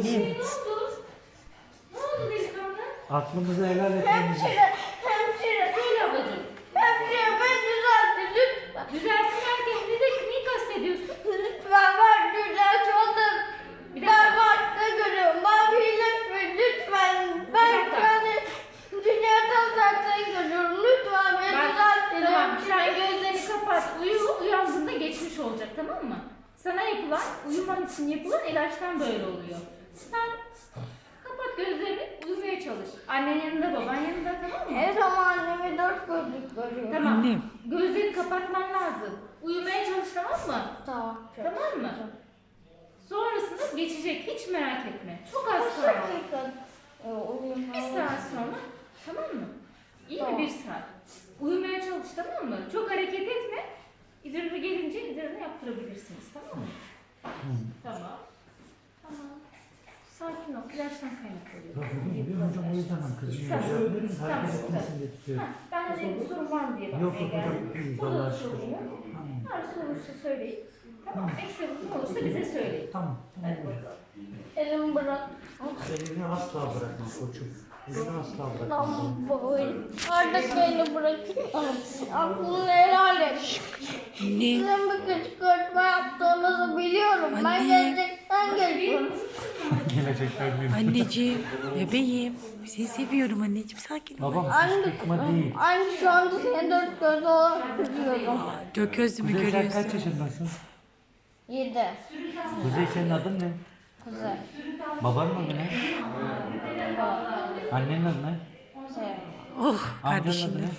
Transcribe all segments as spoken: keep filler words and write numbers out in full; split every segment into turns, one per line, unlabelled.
Annem.
Ne oldu? Ne oldu delikanlı?
Aklımızı helal etmemizi.
Hemşire, hemşire. Söyle ablacığım. Hemşire ben düzelttim lütfen. Düzelttim derken ne, de, neyi kastediyorsun? Lütfen ben düzelt oldum. Ben farklı görüyorum. Ben birleşme lütfen. Ben yani dünyadan zaten görüyorum. Lütfen beni düzeltin. Tamam sen gözlerini kapat. Uyu, uyandığında geçmiş olacak tamam mı? Sana yapılan, uyuman için yapılan ilaçtan böyle oluyor. Sen kapat gözlerini, uyumaya çalış. Annen yanında, baban yanında tamam mı? Evet ama annemi dört gözlük görüyor. Tamam.
Annem.
Gözlerini kapatman lazım. Uyumaya çalış tamam mı?
Tamam.
Tamam mı? Sonrasında geçecek, hiç merak etme. Çok az kaldı. Bir saat sonra, tamam mı? İyi
Tamam.
mi bir saat? Uyumaya çalış tamam mı? Çok hareket etme. İdrarı gelince idrarını yaptırabilirsiniz tamam mı? Tamam. Tamam. Sakin ol. İlaçtan kaynaklanıyor.
Biliyorum hocam o yüzden ben kızım
Tamam.
yapıyorum.
Tamam.
Hareket etmesin diye tutuyorum.
Ha, ben de dedim bir sorun var mı diye
Yok
bakmaya
yok hocam.
geldim.
iyiyiz,
Burada
Allah'a
da
şükür.
sorun yok.
Tamam.
Her sorun olursa söyleyin. Tamam. Eksik ne olursa bize söyleyin.
Tamam.
Hadi bakalım.
Elimi bırak.
Elini asla bırakma koçum. Elini asla bırakma.
Tamam böyle. Artık beni bırakın. Aklını helal et.
Anne.
Sizin bir kışkırtma yaptığınızı biliyorum. Ben
Anne.
gelecekten geliyorum.
Gelecekler büyük.
Anneciğim. Bebeğim. Seni seviyorum anneciğim. Sakin ol.
Babam
Anne,
kışkırtma değil.
anne şu anda seni dört göz olarak tutuyorum.
Dört gözlü mü
Kuzey sen
görüyorsun?
kaç yaşındasın?
Yedi.
Kuzey senin adın ne?
Güzel.
Babanın adı ne? Annenin adı ne?
Şey.
Oh
Amcanın adı
kardeşim.
ne?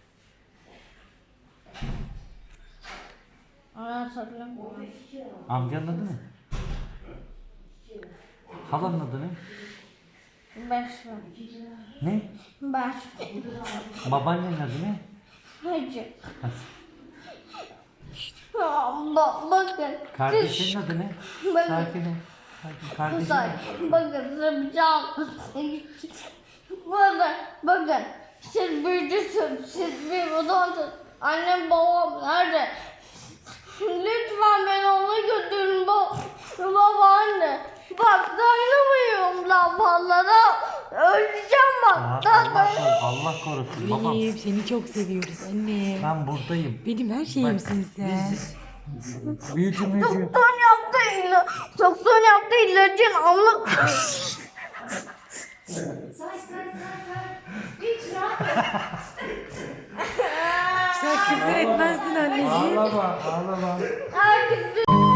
Onu hatırlamıyorum.
Amcanın adı ne? Halanın adı ne?
Beş.
Ne?
Beş.
Babaannenin adı ne?
Hacı. Ba bakın.
Kardeşinin adı ne?
Bakın.
Sakin ol. Sakin. Kardeşin
Kızlar,
ne?
bakın size bir şey anlatayım. Bakın, bakın. Siz büyücüsün, siz bir odansın. Annem babam nerede? Lütfen beni ona götürün baba, baba anne. Bak dayanamıyorum lambalara. Öleceğim bak.
Aa,
Daha
Allah,
dayanamıyorum.
korusun, Allah korusun babam.
Benim seni çok seviyoruz anne.
Ben buradayım.
Benim her şeyimsin sen.
Biz büyücü müyücü.
Doktor yaptı ila doktor yaptı ilacın anlık.
Say say say say. Hiç rahat ol.
Sen küfür etmezdin anneciğim.
Ağlama ağlama.
Herkes